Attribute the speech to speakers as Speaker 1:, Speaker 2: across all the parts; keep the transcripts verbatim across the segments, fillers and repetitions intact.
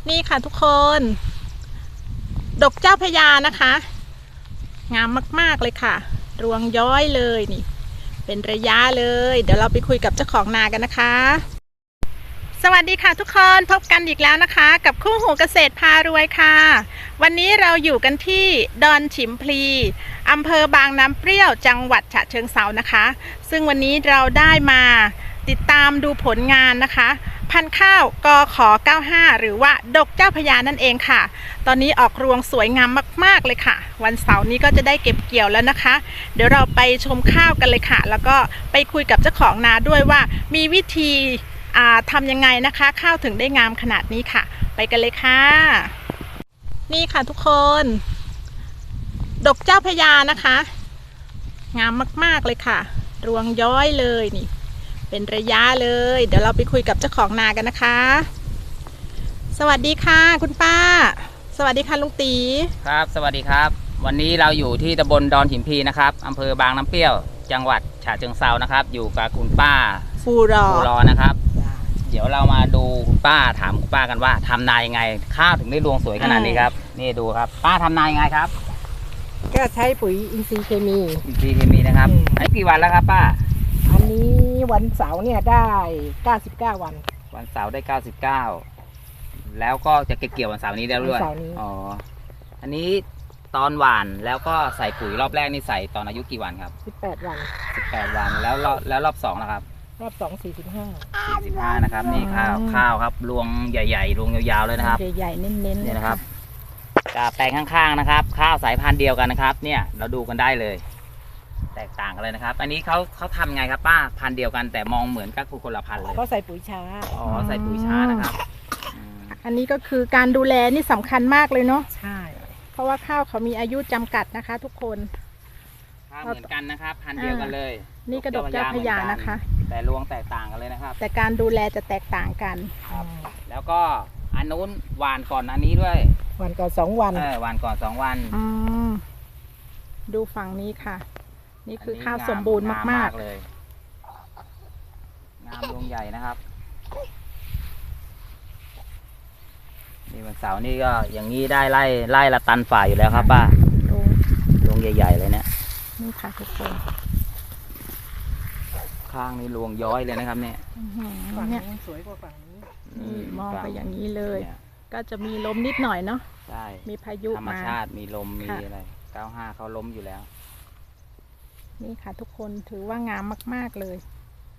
Speaker 1: นี่ค่ะทุกคนดอกเจ้าพญานะคะงามมากๆเลยค่ะรวงย้อยเลยนี่เป็นระยะเลยเดี๋ยวเราไปคุยกับเจ้าของนากันนะคะสวัสดีค่ะทุกคนพบกันอีกแล้วนะคะกับคู่หูเกษตรพารวยค่ะวันนี้เราอยู่กันที่ดอนฉิมพลีอำเภอบางน้ำเปรี้ยวจังหวัดฉะเชิงเทรานะคะซึ่งวันนี้เราได้มาติดตามดูผลงานนะคะพันธุ์ข้าวกขเก้าห้าหรือว่าดกเจ้าพญานั่นเองค่ะตอนนี้ออกรวงสวยงามมากๆเลยค่ะวันเสาร์นี้ก็จะได้เก็บเกี่ยวแล้วนะคะเดี๋ยวเราไปชมข้าวกันเลยค่ะแล้วก็ไปคุยกับเจ้าของนาด้วยว่ามีวิธีทำยังไงนะคะข้าวถึงได้งามขนาดนี้ค่ะไปกันเลยค่ะนี่ค่ะทุกคนดกเจ้าพญานะคะงามมากๆเลยค่ะรวงย้อยเลยนี่เป็นระยะเลยเดี๋ยวเราไปคุยกับเจ้าของนากันนะคะสวัสดีค่ะคุณป้าสวัสดีค่ะลุงตี
Speaker 2: ครับสวัสดีครับวันนี้เราอยู่ที่ตำบลดอนหินพีนะครับอำเภอบางน้ำเปรี้ยวจังหวัดฉะเชิงเทรานะครับอยู่กับคุณป้า
Speaker 1: ฟูรอ
Speaker 2: ฟูรอนะครับเดี๋ยวเรามาดูคุณป้าถามคุณป้ากันว่าทำนายังไงข้าวถึงได้รวงสวยขนาดนี้ครับนี่ดูครับป้าทำนายังไงครับ
Speaker 3: ก็ใช้ปุ๋ยอินทรีย์เคมี
Speaker 2: อินทรีย์เคมีนะครับไอ้กี่วันแล้วครับป้า
Speaker 3: อันนี้วันเสาร์เนี่ยได้เก้าสิบเก้าวัน
Speaker 2: วันเสาร์ได้เก้าสิบเก้าแล้วก็จะเก็บเกี่ยววันเสาร์นี้แล้วด้วยอ๋ออันนี้ตอนหว่านแล้วก็ใส่ปุ๋ยรอบแรกนี่ใส่ตอนอายุกี่วันครับ
Speaker 3: สิบแปดวัน
Speaker 2: สิบแปดวันแล้วแล้วรอบสองนะครับ
Speaker 3: รอบสองสี่สิบห้า
Speaker 2: สี่สิบห้านะครับนี่ข้าวข้าวครับรวงใหญ่ๆรวงยาวๆเลยนะครับ
Speaker 3: ใหญ่ๆเน้นๆ
Speaker 2: เนี่ยนะครับกับแปลงข้างๆนะครับข้าวสายพันธุ์เดียวกันนะครับเนี่ยเราดูกันได้เลยแตกต่างกันเลยนะครับอันนี้เขาเขาทำไงครับป้าพันธุ์เดียวกันแต่มองเหมือนกับคนละพันธุ์เลย
Speaker 3: เขาใส่ปุ๋ยช้า
Speaker 2: อ๋อใส่ปุ๋ยช้านะครับ
Speaker 1: อันนี้ก็คือการดูแลนี่สำคัญมากเลยเนาะ
Speaker 3: ใช่
Speaker 1: เพราะว่าข้าวเขามีอายุจำกัดนะคะทุกคน
Speaker 2: ข้าวเหมือนกันนะครับพันธุ์เดียวกันเลย
Speaker 1: นี่กระดกเจ้าพญานะคะ
Speaker 2: แต่รวงแตกต่างกันเลยนะครับ
Speaker 1: แต่การดูแลจะแตกต่างกัน
Speaker 2: ครับแล้วก็อันนู้นหวานก่อนอันนี้ด้วย
Speaker 3: หวานก่อนสองวัน
Speaker 2: เออหวานก่อนสองวัน
Speaker 1: อืมดูฝั่งนี้ค่ะนี่คือข้าวสมบูรณ์มากๆ
Speaker 2: เลยงามรวงใหญ่นะครับนี่วันเสาร์นี่ก็อย่างนี้ได้ไล่ไล่ละตันฝ่ายอยู่แล้วครับป้ารวงใหญ่ๆเลยเนี่ย
Speaker 1: นี่ค่ะทุกคน
Speaker 2: ข้างนี้รวงย้อยเลยนะครับเนี่ย
Speaker 3: ฝั่งนี้สวยกว่าฝั่งนี้
Speaker 1: นี่มองไปอย่างนี้เลยก็จะมีลมนิดหน่อยเนาะ
Speaker 2: ใช่
Speaker 1: มีพายุ
Speaker 2: ธรรมชาติมีลมมีอะไรเก้าห้าเขาล้มอยู่แล้ว
Speaker 1: นี่ค่ะทุกคนถือว่างามมากๆเลย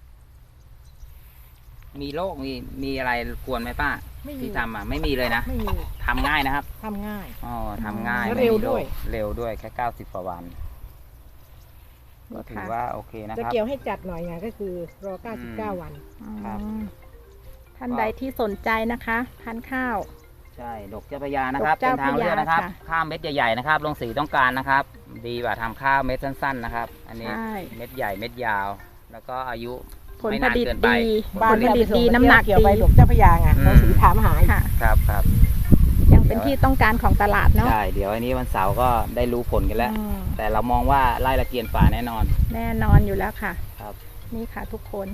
Speaker 2: มีโรคมีมีอะไรกวนไหมป้าที่ทำอ่ะไม่มีเลยนะ
Speaker 3: ไม่มี
Speaker 2: ทำง่ายนะครับ
Speaker 3: ทำง่าย
Speaker 2: อ๋อทำง่าย
Speaker 3: เร็วด้วย
Speaker 2: เร็วด้วยแค่เก้าสิบกว่าวันก็ถือว่าโอเคนะครับ
Speaker 3: จะเกี่ยวให้จัดหน่อยไงก็คือรอเก้าสิบเก้าวัน
Speaker 2: ครับ
Speaker 1: ท่านใดที่สนใจนะคะพันธุ์ข้าว
Speaker 2: ใช่ดกเจ้าพญานะครับเป็นทางเลือกนะครับข้าวเม็ดใหญ่ๆนะครับลงสีต้องการนะครับดีกว่าทำข้าวเม็ดสั้นๆนะครับอันนี้เม็ดใหญ่เม็ดยาวแล้วก็อายุ
Speaker 1: ผลผลิตดีผลผลิตดีน้ำหนัก
Speaker 3: เกี่ยวไปดกเจ้าพญาไงลงสีถามหาย
Speaker 1: ค่ะ
Speaker 2: ครับครับ
Speaker 1: ยังเป็นที่ต้องการของตลาดเนาะ
Speaker 2: ใช่เดี๋ยวอันนี้วันเสาร์ก็ได้รู้ผลกันแล้วแต่เรามองว่าไล่ละเกียนฝ่าแน่นอน
Speaker 1: แน่นอนอยู่แล้วค่ะ
Speaker 2: ครับ
Speaker 1: นี่ค่ะทุกคน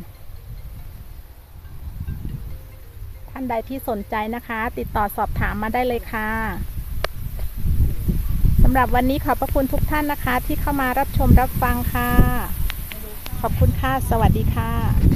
Speaker 1: ท่านใดที่สนใจนะคะติดต่อสอบถามมาได้เลยค่ะสำหรับวันนี้ขอบพระคุณทุกท่านนะคะที่เข้ามารับชมรับฟังค่ะขอบคุณค่ะสวัสดีค่ะ